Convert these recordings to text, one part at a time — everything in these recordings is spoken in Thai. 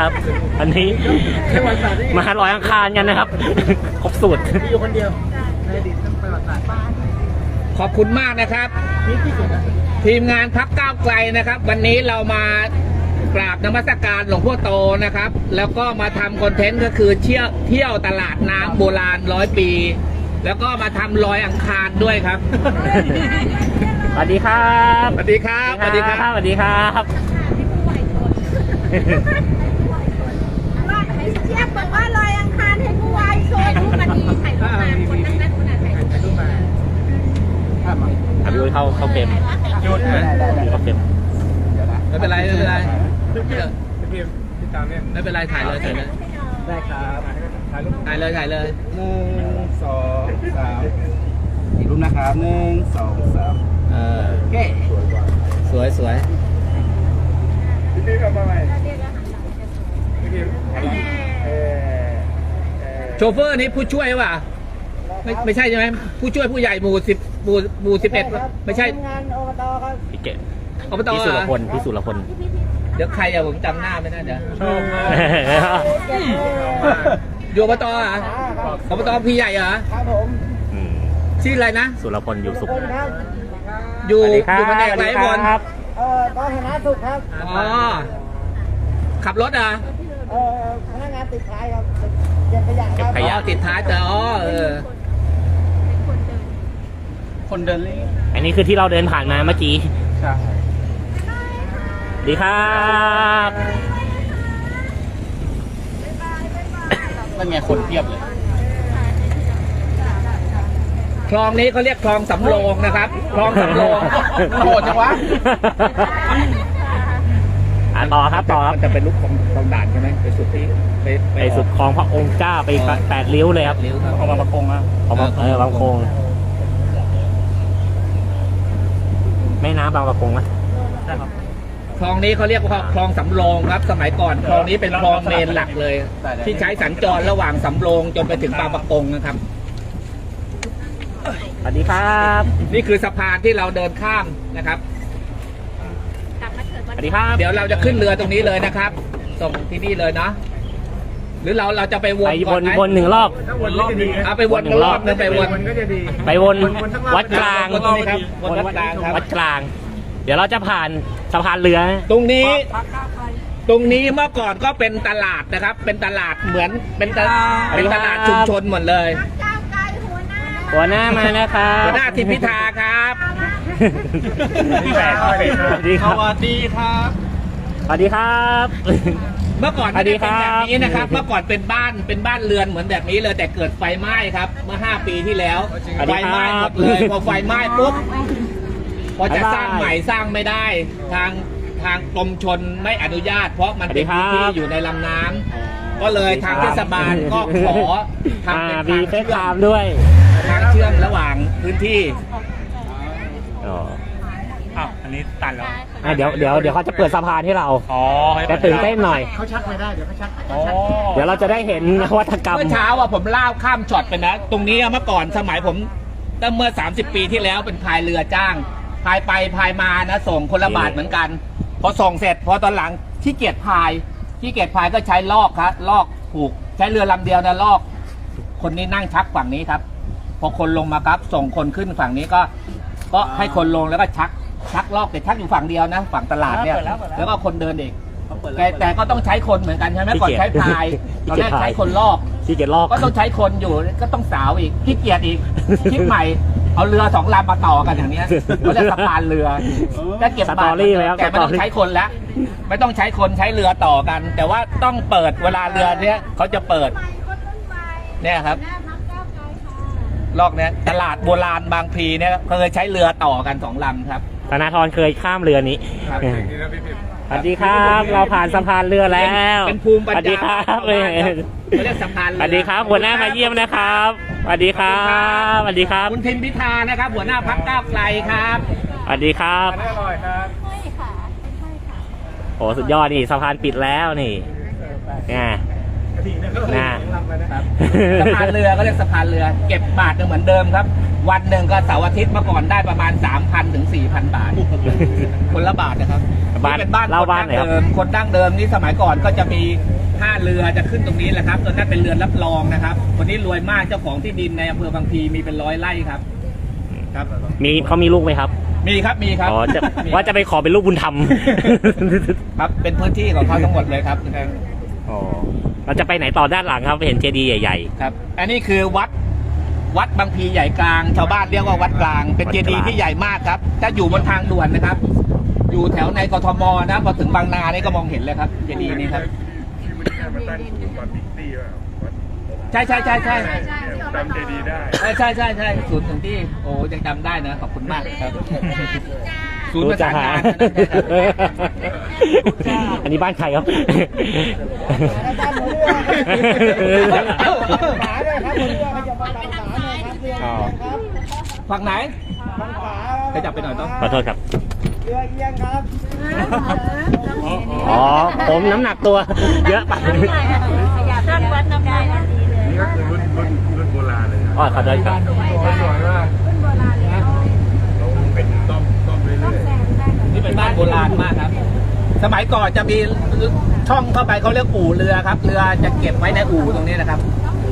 นะครับอันนี้มาลอยอังคารกันนะครับครบสูตรอยู่คนเดียวในอดีตต้องประวัติศาสตร์ขอบคุณมากนะครับทีมงานพรรคก้าวไกลนะครับวันนี้เรามากราบนมัสการหลวงพ่อโตนะครับแล้วก็มาทำคอนเทนต์ก็คือเที่ยวตลาดน้ำโบราณ100 ปีแล้วก็มาทำลอยอังคารด้วยครับสวัสดีครับสวัสดีครับสวัสดีครับสวัสดีครับเทียบบอกว่าลอยอังคารให้ผู้วายโชว์รูปมาดีถ่ายรูปมาคนนั้นคนนั้นถ่ายรูปมาพี่อุ้ยเข้าเฟรมหยุดเข้าเฟรมไม่เป็นไรไม่เป็นไรพี่ตามเนี่ยไม่เป็นไรถ่ายเลยได้ครับถ่ายเลย1 2 3อีกรูปนะครับ1 2 3โอเคสวยพี่ทำอะไรโชเฟอร์นี้ผู้ช่วยป่ะไม่ใช่ใช่ไหมผู้ช่วยผู้ใหญ่หมู่11ไม่ใช่งานอบตครับพี่เกศอบตพี่สุรพลเดี๋ยวใครอะผมจำหน้าไม่ได้เดี๋ยวอยู่อบตอ่ะอบตพี่ใหญ่เหรอครับผมชื่ออะไรนะสุรพลอยู่สุขอยู่แผนกไหนบนกองคณะสุขครับอ๋อขับรถอ่ะพนักงานติดท้ายครับเก็บขยะครับขยะติดท้ายแต่คนเดินเลยอันนี้คือที่เราเดินผ่านมาเมื่อกี้ใช่ดีครับนั่นไงคนเทียบเลยคลองนี้เขาเรียกคลองสำโรงนะครับคลองสำโรงโหดจังวะต่อครับจะเป็นลูกของด่านใช่ไหมไปสุดที่ไปสุดคลองพระองค์เจ้าไป8 ริ้วเลยครับของบางประกงอ่ะของบางประกงแม่น้ำบางประกงนะใช่ครับคลองนี้เขาเรียกว่าคลองสำโรงครับสมัยก่อนคลองนี้เป็นคลองเมนหลักเลยที่ใช้สัญจรระหว่างสำโรงจนไปถึงบางประกงนะครับสวัสดีครับนี่คือสะพานที่เราเดินข้ามนะครับสวัสดีครับเดี๋ยวเราจะขึ้นเรือตรงนี้เลยนะครับส่งที่นี่เลยเนาะหรือเราจะไปวนก่อนไหมวน1 รอบไปวน1 รอบนึงไปวนวัดกลางวัดกลางเดี๋ยวเราจะผ่านสะพานเรือตรงนี้เมื่อก่อนก็เป็นตลาดนะครับเป็นตลาดเหมือนเป็นตลาดชุมชนหมดเลยหัวหน้ามานะครับหัวหน้าทิมพิธาครับสวัสดีครับเมื่อก่อนเป็นแบบนี้นะครับเมื่อก่อนเป็นบ้านเรือนเหมือนแบบนี้เลยแต่เกิดไฟไหม้ครับเมื่อ5 ปีที่แล้วไฟไหม้หมดเลยพอไฟไหม้ปุ๊บพอจะสร้างใหม่สร้างไม่ได้ทางกรมชลไม่อนุญาตเพราะมันเป็นพื้นที่อยู่ในลำน้ำก็เลยทางเทศบาลก็ขอทำเป็นทางเชื่อมด้วยทางเชื่อมระหว่างพื้นที่อันนี้ตันแล้วเดี๋ยวเขาจะเปิดสะพานให้เราแต่ตื่นเต้นหน่อยเขาชักไม่ได้เดี๋ยวเขาชักเดี๋ยวเราจะได้เห็นนวัตกรรมเมื่อเช้าผมเล่าข้ามช็อตไปนะตรงนี้เมื่อก่อนสมัยผมตั้งเมื่อ30 ปีที่แล้วเป็นพายเรือจ้างพายไปพายมานะส่งคนละบาทเหมือนกันพอส่งเสร็จพอตอนหลังขี้เกียจพายก็ใช้ลอกครับลอกผูกใช้เรือลำเดียวนะลอกคนนี้นั่งชักฝั่งนี้ครับพอคนลงมาครับส่งคนขึ้นฝั่งนี้ก็ให้คนลงแล้วก็ชักลอกแต่ชักอยู่ฝั่งเดียวนะฝั่งตลาดเนี่ยแล้วก็คนเดินเองแต่ก็ต้องใช้คนเหมือนกันใช่ไหมก่อนใช้พายตอนแรกใช้คนลอกก็ต้องใช้คนอยู่ก็ต้องสาวอีกขี้เกียจอีกคิดใหม่เอาเรือ2 ลำมาต่อกันอย่างนี้เขาเรียกสะพานเรือถ้าเก็บบาทแต่ไม่ต้องใช้คนแล้วไม่ต้องใช้คนใช้เรือต่อกันแต่ว่าต้องเปิดเวลาเรือเนี้ยเขาจะเปิดเนี่ยครับลอกเนี้ยตลาดโบราณบางพลีเนี่ยเคยใช้เรือต่อกัน2 ลำครับธนาธรเคยข้ามเรือนี้สวัสดีครับเราผ่านสะพานเรือแล้วเป็นภูมิปัญญาสวัสดีครับเรียกสะพานเรือสวัสดีครับหัวหน้ามาเยี่ยมนะครับสวัสดีครับสวัสดีครับคุณทิมพิธานะครับหัวหน้าพรรคก้าวไกลครับสวัสดีครับโอ้สุดยอดนี่สะพานปิดแล้วนี่นะครับสะพานเรือก็เรียกสะพานเรือเก็บบาทเหมือนเดิมครับ วันหนึ่งก็เสาร์อาทิตย์เมื่อก่อนได้ประมาณ 3,000 ถึง 4,000 บาท คนละบาทนะครับบ้านนี่เป็นบ้านเล่าคนบ้านดั้งหน่อยครับเดิมคนดั้งเดิมนี่สมัยก่อนก็จะมีท่าเรือจะขึ้นตรงนี้แหละครับตอนนั้นเป็นเรือนรับรองนะครับคนนี้รวยมากเจ้าของที่ดินในอำเภอบางพลีมีเป็น100 ไร่ครับครับเขามีลูกไหมครับมีครับมีครับอ๋อจะมีว่าจะไปขอเป็นลูกบุญธรรมครับเป็นพื้นที่ของเขาทั้งหมดเลยครับอ๋อเราจะไปไหนต่อด้านหลังครับเห็นเจดีย์ใหญ่ครับอันนี้คือวัดบางพลีใหญ่กลางชาวบ้านเรียกว่าวัดกลาง เป็นเจดีย์ที่ใหญ่มากครับถ้าอยู่บนทางด่วนนะครับ อยู่แถวในกทมนะพอถึงบางนานี่ก็มองเห็นเลยครับเจดีย์นี้ครับใช่ใช่ใช่ใช่จำเจดีย์ได้ใช่ใช่ใช่ศูนย์ถึงที่โอ้ยังจำได้นะขอบคุณมากครับๆศูนย์ประสานงานอันนี้บ้านใครครับ อ๋อฝั่งไหนไปจับไปหน่อยต้องขอโทษครับเรือเอียงครับอ๋อ ผมน้ำหนักตัว เยอะไปขยับตั้งวัดน้ำได้ทันทีเลยนี่ก็คือรุ่นโบราณเลยนะอ๋อขอโทษครับสวยมากรุ่นโบราณเลยเราเป็นต้มเรื่อยแซงได้ก่อนนี่เป็นบ้านโบราณมากครับ สมัยก่อนจะมีช่องเข้าไปเขาเรียกอู่เรือครับ เรือจะเก็บไว้ในอู่ตรงนี้นะครับ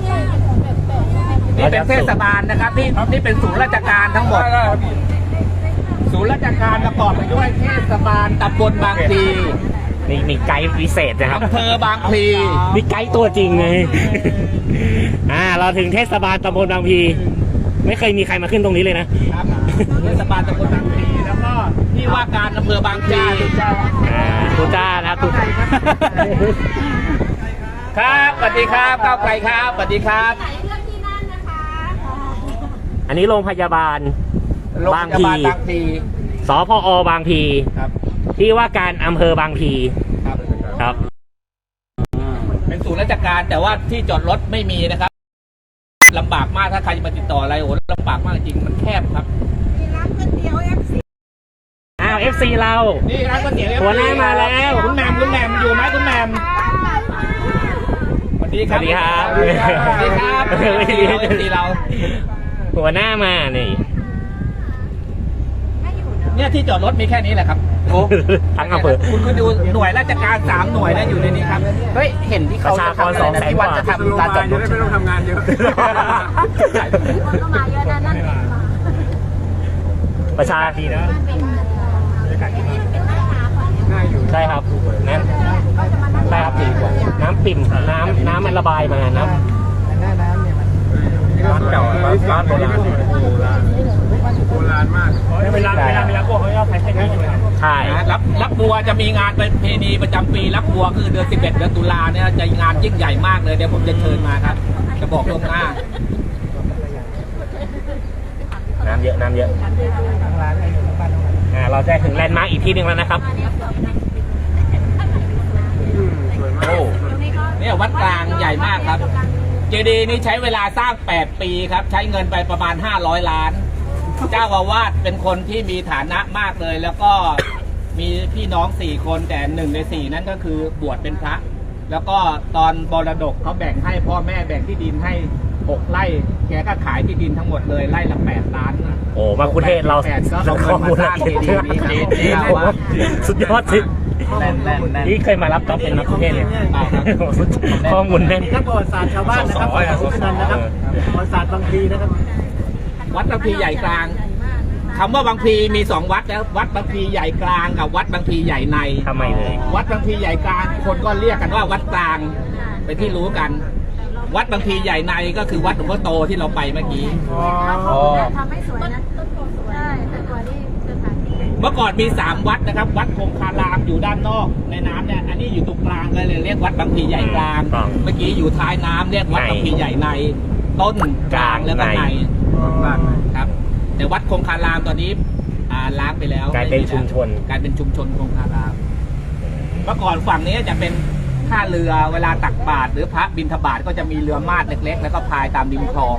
นี่เป็นเทศบาลนะครับนี่เป็นศูนย์ราชการทั้งหมด ศูนย์ราชการประกอบไปด้วยเทศบาลตำบลบางพลีนี่มีไกด์พิเศษนะครับอำเภอบางพลีมีไกด์ตัวจริงไง เราถึงเทศบาลตำบลบางพลีไม่เคยมีใครมาขึ้นตรงนี้เลยนะครับเทศบาลตำบลบางพลีแล้วก็ที่ว่าการอำเภอบางพลีตูจ้านะครับตูจ้าครับสวัสดีครับก้าวไกลครับสวัสดีครับไหนเลือกที่นั่นนะคะอันนี้โรงพยาบาลโรงพยาบาลบางพลีสพอบางพลีครับที่ว่าการอำเภอบางพลีครับครับเป็นศูนย์ราชการแต่ว่าที่จอดรถไม่มีนะครับลำบากมากถ้าใครจะมาติดต่ออะไรโอ้ลำบากมากจริงมันแคบครับมีร้านก๋วยเตี๋ยว FC FC เรานี่ร้านก๋วยเตี๋ยวหัวหน้ามาแล้วคุณแหม่มอยู่ไหมคุณแหม่มสวัสดีครับสวัสดีครับสวัสดีครับตีเราหัวหน้ามานี่เนี่ยที่จอดรถมีแค่นี้แหละครับโอ้ทั้งอำเภอคุณก็ดูหน่วยราชการ3 หน่วยนะอยู่ในนี้ครับเฮ้ยเห็นที่เขาจะทำอะไรนะที่วัดจะทำลานจอดรถจะได้ไม่ต้องทำงานเยอะคนก็มาเยอะนะนั่นเองมาประชาดีนะเป็นหน้าตาก่อนเนี่ยง่ายอยู่ใช่ครับน้ำใช่ครับดีกว่าน้ำปิ่มน้ำมันระบายมาน้ำร้านเก่าร้านโบราณโบราณมากเวลาพวกเขาจะใช้แค่นี้ใช่รับบัวจะมีงานประเพณีประจำปีรับบัวคือเดือน11เดือนตุลาเนี่ยจะงานยิ่งใหญ่มากเลยเดี๋ยวผมจะเชิญมาครับ จะบอกล่วงหน้าน้ำเยอะเราจะถึงแลนด์มาร์กอีกที่หนึ่งแล้วนะครับสวยมากโอ้เนี่ยวัดกลางใหญ่มากครับ เจดีย์นี้ใช้เวลาสร้าง8 ปีครับ ใช้เงินไปประมาณ500 ล้าน เจ้าอาวาสเป็นคนที่มีฐานะมากเลย แล้วก็มีพี่น้อง4 คนแต่1 ใน 4นั้นก็คือบวชเป็นพระ แล้วก็ตอนมรดกเขาแบ่งให้พ่อแม่แบ่งที่ดินให้6 ไร่แกก็ขายที่ดินทั้งหมดเลยไร่ละ8 ล้านโอ้มาคุเทศเรา 8ก็เอาเงินมาสร้างเจดีย์นี้ครับสุดยอดสิแน่นนี่เคยมารับจ็อบเป็นนักคุเทศเลยข้อมูลแน่นนักประวัติศาสตร์ชาวบ้านนะครับของนันนะครับประวัติศาสตร์บางพลีนะครับวัดบางพลีใหญ่กลางคำว่าบางพลีมี 2 วัดแล้ววัดบางพลีใหญ่กลางกับวัดบางพลีใหญ่ในทำไมเลยวัดบางพลีใหญ่กลางคนก็เรียกกันว่าวัดกลางเป็นที่รู้กัน วัดบางพลีใหญ่ในก็คือวัดหลวงพ่อโตที่เราไปเมื่อกี้ทำให้สวยนะต้นโพสวยใช่แต่กว่าที่สถานที่เมื่อก่อนมี3 วัดนะครับ วัดคงคารามอยู่ด้านนอกในน้ำเนี่ยอันนี้อยู่ตรงกลางก็เลยเรียกวัดบางพลีใหญ่กลาง เมื่อกี้อยู่ท้ายน้ำเรียกวัดบางพลีใหญ่ในต้นกลางแล้วก็ในครับ แต่วัดคงคารามตอนนี้ล้างไปแล้วกลายเป็นชุมชนกลายเป็นชุมชนคงคารามเมื่อก่อนฝั่งนี้จะเป็นท่าเรือเวลาตักบาตรหรือพระบิณฑบาตก็จะมีเรือมาดเล็กๆ แล้วก็พายตามริมคลอง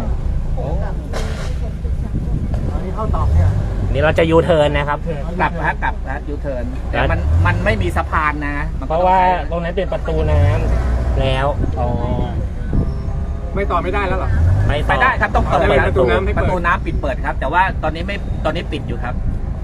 นี่เราจะยูเทิร์นนะครับกลับยูเทิร์นแต่มันไม่มีสะพานนะมันเพก็ราะต้องว่าใช้ตรงนั้นเป็นประตูน้ำแล้วอ๋อไม่ต่อไม่ได้แล้วเหรอไม่ไปได้ครับต้องเปิดเอาเลยครับประตูน้ำให้เปิดประตูน้ำปิดเปิดครับ แต่ว่าตอนนี้ปิดอยู่ครับ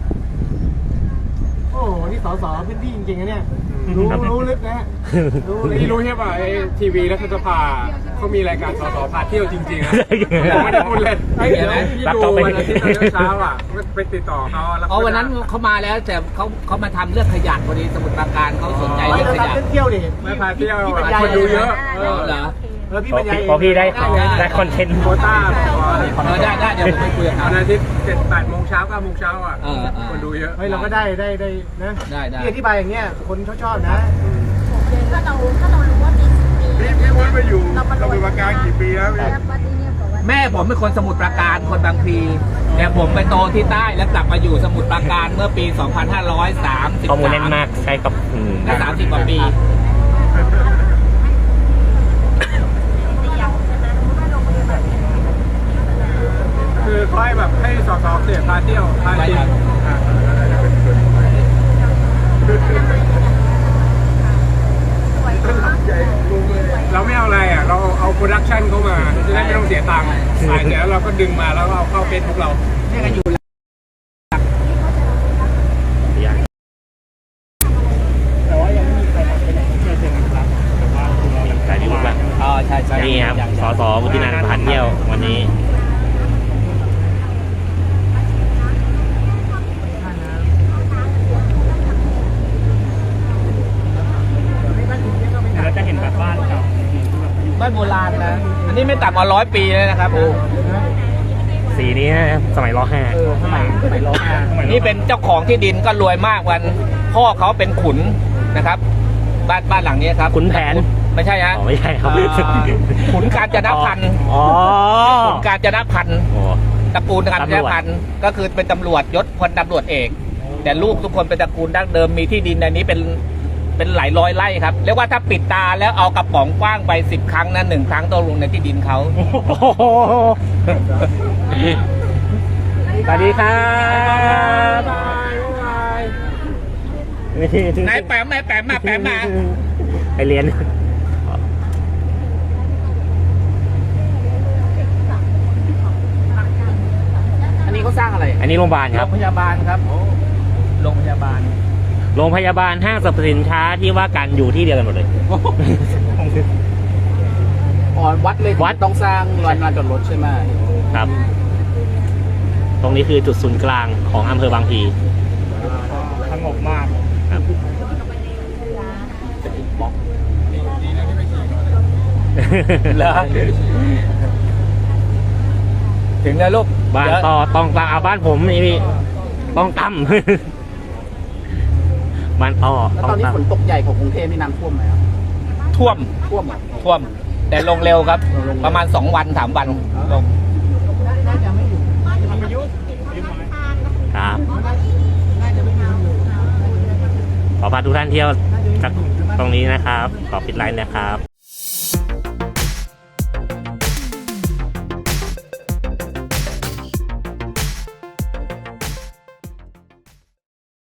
โอ้โหนี่สสพื้นที่จริงๆนะเนี่ยรู้ลึกนะรู้เลยนี่รู้ใช่ป่ะไอ้ทีวีรัฐสภาเขามีรายการสสพาเที่ยวจริงๆนะผมไม่ได้พูดเล่นไอ้เดี๋ยวพี่ดูวันอาทิตย์ตอนเช้าอ่ะไปติดต่อเขาแล้วอ๋อวันนั้นเขามาแล้วแต่เขามาทำเรื่องขยะพอดีสมุทรปราการเขาสนใจเราเรื่องขจะยะทำเที่ยวดิไม่พาเที่ยวพี่บรรยายคนดูเยอะเหรอพี่บรรยายพอพี่ได้คอนเทนต์โควต้าได้เดี๋ยวผมไปคุยกับเขาวันอาทิตย์7-8 โมงเช้า9 โมงเช้าอ่ะเออคนดูเยอะเฮ้ยเราก็ได้นะได้พี่อธิบายอย่างเงี้ยคนชอบนะถ้าเรารู้ว่ามีพี่วุ้นไปอยู่เราเป็นประการกี่ปีแล้วพี่แม่ผมเป็นคนสมุทรปราการคนบางพลีแต่ผมไปโตที่ใต้แล้วกลับมาอยู่สมุทรปราการเมื่อปี 2530 ข้อมูลแน่นมากใช่กับได้30 กว่าปีคือค่อยแบบให้สสเขตพาเที่ยวพาชิมเราไม่เอาอะไรอ่ะเราเอาโปรดักชันเข้ามาจะได้ไม่ต้องเสียตังค์ถ่ายเสร็จแล้วเราก็ดึงมาแล้วก็เอาเข้าเฟซบุ๊กเราเนี่ยก็อยู่แต่ว่ายังไม่มีใครไปไหนเที่ยวเชิงอนุรักษ์แต่ว่าเรายังสายพิบุกละอ๋อใช่นี่ครับสสวุฒินันท์ผ่านเที่ยววันนี้เราจะเห็นแบบบ้านเก่าบ้านโบราณนะอันนี้ไม่ต่ำกว่า100 ปีเลยนะครับสีนี้สมัยร.5 สมัยร้องนี่เป็นเจ้าของที่ดินก็รวยมากวันพ่อเขาเป็นขุนนะครับ บ้านหลังนี้ครับขุนแผนไม่ใช่ฮะอ๋อไม่ใช่ครับขุนกาญจนพันธ์อ๋อขุนกาญจนพันธ์โอ้ตระกูลกาญจนพันธ์ก็คือเป็นตำรวจยศพลตำรวจเอก แต่ลูกทุกคนเป็นตระกูลดั้งเดิมมีที่ดินในนี้เป็นหลายร้อยไร่ครับเรียกว่าถ้าปิดตาแล้วเอากระป๋องกว้างไป10 ครั้งนะ1 ครั้งต้องลงในที่ดินเขาสวัสดีครับนายแปมมาแปมมาไปเรียนอันนี้เขาสร้างอะไรอันนี้โรงพยาบาลคโรรับงพยาบาลครับโรงพยาบาลโรงพยาบาลห้างสรรพสินค้าที่ว่ากันอยู่ที่เดียวกันหมดเลยอ๋อวัดเลยวัดต้องสร้างลานจอดรถใช่ไหมครับ ตรงนี้คือจุดศูนย์กลางของอำเภอบางพลีสงบมากครับเหรอถึงแล้วลูกบ้านต่อต้องตามเอาบ้านผมนี่พี่ต้องตั้ม บ้านต่อแล้วต้อตอง นนี้ตั้มฝนตกใหญ่ของกรุงเทพนี่น้ำท่วมไหมครับท่วมท่วมเหรอท่วม แต่ลงเร็วครับ ประมาณ2 วัน 3 วันลงครับ ขอพาทุกท่านเที่ยวจากตรงนี้นะครับ ขอปิดไลน์นะครับ